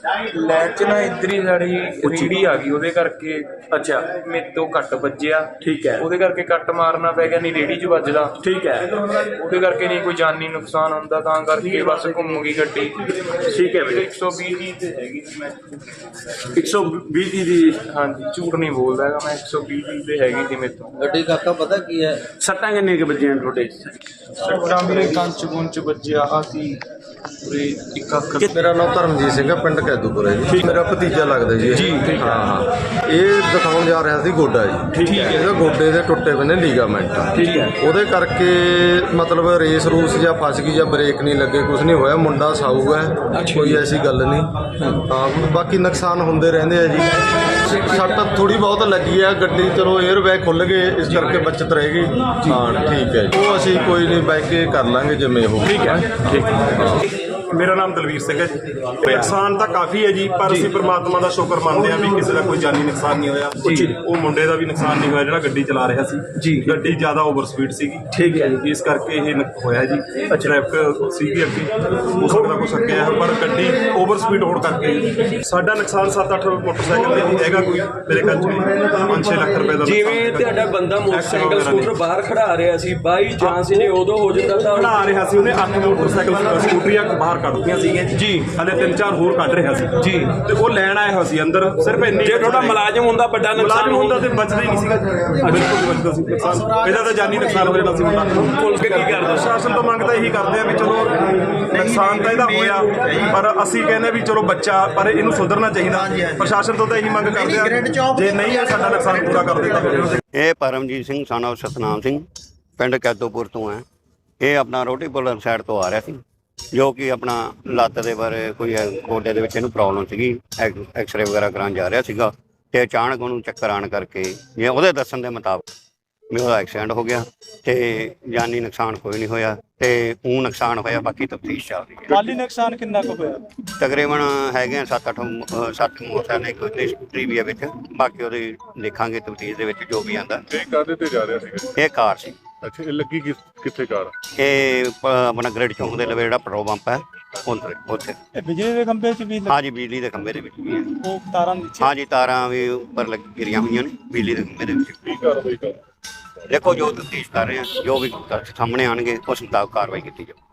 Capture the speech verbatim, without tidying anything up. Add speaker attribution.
Speaker 1: Light ਚ ਨਾ ਇੱਧਰ ਹੀ ਸਾਡੀ ਰੇਹੜੀ ਆ ਗਈ, ਉਹਦੇ ਕਰਕੇ
Speaker 2: ਅੱਛਾ
Speaker 1: ਮੇਰੇ ਤੋਂ ਕੱਟ ਵੱਜਿਆ।
Speaker 2: ਠੀਕ ਹੈ।
Speaker 1: ਉਹਦੇ ਕਰਕੇ ਕੱਟ ਮਾਰਨਾ ਪੈ ਗਿਆ, ਨਹੀਂ ਰੇਹੜੀ ਚ ਵੱਜਦਾ।
Speaker 2: ਠੀਕ ਹੈ।
Speaker 1: ਉਹਦੇ ਕਰਕੇ ਨਹੀਂ ਕੋਈ ਜਾਨੀ ਨੁਕਸਾਨ ਹੁੰਦਾ, ਤਾਂ ਕਰਕੇ ਬਸ ਘੁੰਮ ਗਈ ਗੱਡੀ।
Speaker 2: ਠੀਕ ਹੈ ਵੀਰੇ।
Speaker 1: ਇੱਕ ਸੌ ਵੀਹ ਦੀ ਤੇ ਹੈਗੀ ਸੀ ਮੈਂ।
Speaker 2: ਇੱਕ ਸੌ ਵੀਹ ਦੀ ਦੀ
Speaker 1: ਹਾਂਜੀ, ਝੂਠ ਨਹੀਂ ਬੋਲਦਾ ਹੈਗਾ ਮੈਂ, ਇੱਕ ਸੌ ਵੀਹ ਦੀ ਤੇ ਹੈਗੀ ਸੀ ਮੇਰੇ ਤੋਂ
Speaker 3: ਗੱਡੀ। ਕਾਕਾ ਪਤਾ ਕੀ ਹੈ,
Speaker 2: ਸੱਟਾਂ ਕਿੰਨੇ ਕੁ ਵੱਜੀਆਂ ਤੁਹਾਡੇ?
Speaker 1: ਸੱਟਾਂ ਮੇਰੇ ਕੰਚ ਗੁੰਚ ਵੱਜਿਆ ਆ ਸੀ ਪੂਰੇ ਇੱਕ ਅੱਖ।
Speaker 4: ਮੇਰਾ ਨਾਮ ਧਰਮਜੀਤ ਸਿੰਘ ਹੈ, ਪਿੰਡ ਕੈਦੂਪੁਰ ਹੈ ਜੀ। ਮੇਰਾ ਭਤੀਜਾ ਲੱਗਦਾ ਜੀ।
Speaker 2: ਜੀ ਠੀਕ
Speaker 4: ਹਾਂ ਹਾਂ। ਇਹ ਦਿਖਾਉਣ ਜਾ ਰਿਹਾ ਸੀ ਗੋਡਾ ਜੀ।
Speaker 2: ਠੀਕ ਹੈ।
Speaker 4: ਇਹਦੇ ਗੋਡੇ ਦੇ ਟੁੱਟੇ ਪਏ ਨੇ ਲੀਗਾਮੈਂਟ।
Speaker 2: ਠੀਕ ਹੈ।
Speaker 4: ਉਹਦੇ ਕਰਕੇ ਮਤਲਬ ਰੇਸ ਰੂਸ ਜਾਂ ਫਸ ਗਈ ਜਾਂ ਬ੍ਰੇਕ ਨਹੀਂ ਲੱਗੇ, ਕੁਝ ਨਹੀਂ ਹੋਇਆ। ਮੁੰਡਾ ਸਾਊ ਹੈ, ਕੋਈ ਐਸੀ ਗੱਲ ਨਹੀਂ। ਹਾਂ, ਬਾਕੀ ਨੁਕਸਾਨ ਹੁੰਦੇ ਰਹਿੰਦੇ ਆ ਜੀ। ਸੱਟ ਥੋੜੀ ਬਹੁਤ ਲੱਗੀ ਆ ਗੱਡੀ, ਚਲੋ 에ਅਰ ਬੈਗ ਖੁੱਲ ਗਏ, ਇਸ ਕਰਕੇ ਬਚਤ ਰਹੇਗੀ। ਹਾਂ ਠੀਕ ਹੈ, ਉਹ ਅਸੀਂ ਕੋਈ ਨਹੀਂ ਬਹਿ ਕੇ ਕਰ ਲਾਂਗੇ ਜਿਵੇਂ ਉਹ।
Speaker 2: ਠੀਕ ਹੈ। ਠੀਕ ਹੈ। ਮੇਰਾ ਨਾਮ ਦਲਵੀਰ ਸਿੰਘ ਹੈ ਜੀ। ਨੁਕਸਾਨ ਤਾਂ ਕਾਫੀ ਹੈ ਜੀ, ਪਰ ਅਸੀਂ ਪ੍ਰਮਾਤਮਾ ਦਾ ਸ਼ੁਕਰ ਮੰਨਦੇ ਹਾਂ ਵੀ ਕਿਸੇ ਦਾ ਕੋਈ ਜਾਨੀ ਨੁਕਸਾਨ ਨਹੀਂ ਹੋਇਆ। ਉਹ ਮੁੰਡੇ ਦਾ ਵੀ ਨੁਕਸਾਨ ਨਹੀਂ ਹੋਇਆ ਜਿਹੜਾ ਗੱਡੀ ਚਲਾ ਰਿਹਾ ਸੀ। ਗੱਡੀ ਜ਼ਿਆਦਾ ਓਵਰ ਸਪੀਡ ਸੀਗੀ। ਠੀਕ ਹੈ ਜੀ, ਇਸ ਕਰਕੇ ਇਹ ਹੋਇਆ ਜੀ। ਟ੍ਰੈਫਿਕ ਸੀਗੀ ਅੱਗੇ, ਹੋ ਸਕਦਾ ਕੁਛ ਅੱਗੇ ਹੈ, ਪਰ ਗੱਡੀ ਓਵਰ ਸਪੀਡ ਹੋਣ ਕਰਕੇ ਸਾਡਾ ਨੁਕਸਾਨ ਸੱਤ ਅੱਠ ਮੋਟਰਸਾਈਕਲ ਤੇ ਹੈਗਾ, ਕੋਈ ਮੇਰੇ ਖਿਆਲ ਚ ਪੰਜ ਛੇ ਲੱਖ ਰੁਪਏ ਦਾ।
Speaker 3: ਜਿਵੇਂ ਤੁਹਾਡਾ ਬੰਦਾ ਮੋਟਰਸਾਈਕਲ ਸਕੂਟਰ ਬਾਹਰ ਖੜਾ ਰਿਹਾ ਸੀ, ਬਾਈ ਚਾਂਸ ਜੇ ਉਦੋਂ ਹੋ ਜਾਂਦਾ ਤਾਂ
Speaker 2: ਖੜਾ ਰਿਹਾ ਸੀ, ਉਹਨੇ ਅੱਠ ਮੋਟਰਸਾਈਕਲ ਸਕੂਟਰੀਆਂ ਬਾਹਰ ਕੱਢਦੀਆਂ ਸੀਗੀਆਂ ਜੀ। ਹਲੇ ਤਿੰਨ ਚਾਰ ਹੋਰ ਕੱਢ ਰਿਹਾ ਸੀ ਜੀ, ਤੇ ਉਹ ਲੈਣ ਆਇਆ ਹੋਇਆ ਸੀ ਅੰਦਰ। ਸਿਰਫ ਇੰਨੀ, ਜੇ ਤੁਹਾਡਾ ਮੁਲਾਜ਼ਮ ਹੁੰਦਾ ਵੱਡਾ ਨੁਕਸਾਨ ਹੁੰਦਾ ਤੇ ਬਚਦਾ ਹੀ ਨਹੀਂ ਸੀਗਾ। ਬਿਲਕੁਲ ਬਚਦਾ ਸੀ ਨੁਕਸਾਨ, ਇਹਦਾ ਤਾਂ ਜਾਨੀ ਨੁਕਸਾਨ ਹੋ ਜਾਣਾ ਸੀ ਮੁੰਡਾ। ਪੁਲਿਸ ਕੀ ਕਰਦਾ? ਪ੍ਰਸ਼ਾਸਨ ਤੋਂ ਮੰਗਦਾ ਇਹੀ ਕਰਦੇ ਆ ਵੀ ਚਲੋ ਨੁਕਸਾਨ ਤਾਂ ਇਹਦਾ ਹੋਇਆ, ਪਰ ਅਸੀਂ ਕਹਿੰਦੇ ਵੀ ਚਲੋ ਬੱਚਾ, ਪਰ ਇਹਨੂੰ ਸੁਧਰਨਾ ਚਾਹੀਦਾ। ਪ੍ਰਸ਼ਾਸਨ ਤੋਂ ਤਾਂ ਇਹੀ ਮੰਗ ਕਰਦੇ ਆ, ਜੇ ਨਹੀਂ ਹੈ ਸਾਡਾ ਨੁਕਸਾਨ ਪੂਰਾ ਕਰ ਦਿੱਤਾ।
Speaker 5: ਇਹ ਪਰਮਜੀਤ ਸਿੰਘ son of ਸਤਨਾਮ ਸਿੰਘ, ਪਿੰਡ ਕੈਦੋਪੁਰ ਤੋਂ ਹੈ। ਇਹ ਆਪਣਾ ਰੋਟੀ ਪੁਲਰ ਸਾਈਡ ਤੋਂ ਆ ਰਿਹਾ ਸੀ, ਜੋ ਕਿ ਆਪਣਾ ਲੱਤ ਦੇ ਬਾਰੇ ਕੋਈ ਗੋਡੇ ਦੇ ਵਿੱਚ ਇਹਨੂੰ ਪ੍ਰੋਬਲਮ ਸੀਗੀ। ਐਕਸਰੇ ਵਗੈਰਾ ਕਰਾਉਣ ਜਾ ਰਿਹਾ ਸੀਗਾ, ਤੇ ਅਚਾਨਕ ਉਹਨੂੰ ਚੱਕਰ ਆਉਣ ਕਰਕੇ, ਜੇ ਉਹਦੇ ਦੱਸਣ ਦੇ ਮੁਤਾਬਕ ਵੀ ਉਹਦਾ ਐਕਸੀਡੈਂਟ ਹੋ ਗਿਆ, ਤੇ ਜਾਨੀ ਨੁਕਸਾਨ ਕੋਈ ਨਹੀਂ ਹੋਇਆ, ਤੇ ਉਹ ਨੁਕਸਾਨ ਹੋਇਆ ਬਾਕੀ ਤਫਤੀਸ਼ ਚੱਲ ਰਹੀ ਹੈ।
Speaker 6: ਮਾਲੀ ਨੁਕਸਾਨ ਕਿੰਨਾ ਕੁ ਹੋਇਆ?
Speaker 5: ਤਕਰੀਬਨ ਹੈਗੇ ਆ ਸੱਤ ਅੱਠ ਸੱਤ ਮੋਟਰਸਾਈਕਲ ਨੇ, ਕੋਈ ਸਕੂਟਰੀ ਵੀ ਹੈ ਵਿੱਚ। ਬਾਕੀ ਉਹਦੀ ਦੇਖਾਂਗੇ ਤਫਤੀਸ਼ ਦੇ ਵਿੱਚ ਜੋ ਵੀ ਆਉਂਦਾ।
Speaker 7: ਇਹ ਕਾਹਦੇ ਤੇ ਜਾ ਰਿਹਾ ਸੀਗਾ?
Speaker 5: ਇਹ ਕਾਰ ਸੀ।
Speaker 7: ਅੱਛਾ, ਇਹ ਲੱਗੀ ਕਿੱਥੇ ਕਾਰ?
Speaker 5: ਇਹ ਆਪਣਾ ਗ੍ਰਿਡ ਚੌਂਕ ਦੇ ਲਵੇ ਜਿਹੜਾ ਪੈਟਰੋਲ ਪੰਪ ਹੈ ਉੱਥੇ।
Speaker 6: ਇਹ ਬਿਜਲੀ ਦੇ ਖੰਭੇ 'ਚ ਵੀ
Speaker 5: ਹਾਂਜੀ, ਬਿਜਲੀ ਦੇ ਖੰਭੇ ਦੇ ਵਿੱਚ ਵੀ ਹੈ।
Speaker 6: ਉਹ ਤਾਰਾਂ ਨੀਚੇ?
Speaker 5: ਹਾਂਜੀ, ਤਾਰਾਂ ਵੀ ਉੱਪਰ ਲੱਗ ਗਿਰੀਆਂ ਹੋਈਆਂ ਨੇ ਬਿਜਲੀ ਦੇ ਖੰਭੇ ਦੇ ਵਿੱਚ।
Speaker 7: ਕੀ ਕਾਰਵਾਈ ਕਰ?
Speaker 5: ਦੇਖੋ ਜੋ ਤਫਤੀਸ਼ ਕਰ ਰਹੇ ਆ, ਜੋ ਵੀ ਸਾਹਮਣੇ ਆਉਣਗੇ ਉਸ ਮੁਤਾਬਕ ਕਾਰਵਾਈ ਕੀਤੀ ਜਾਊ।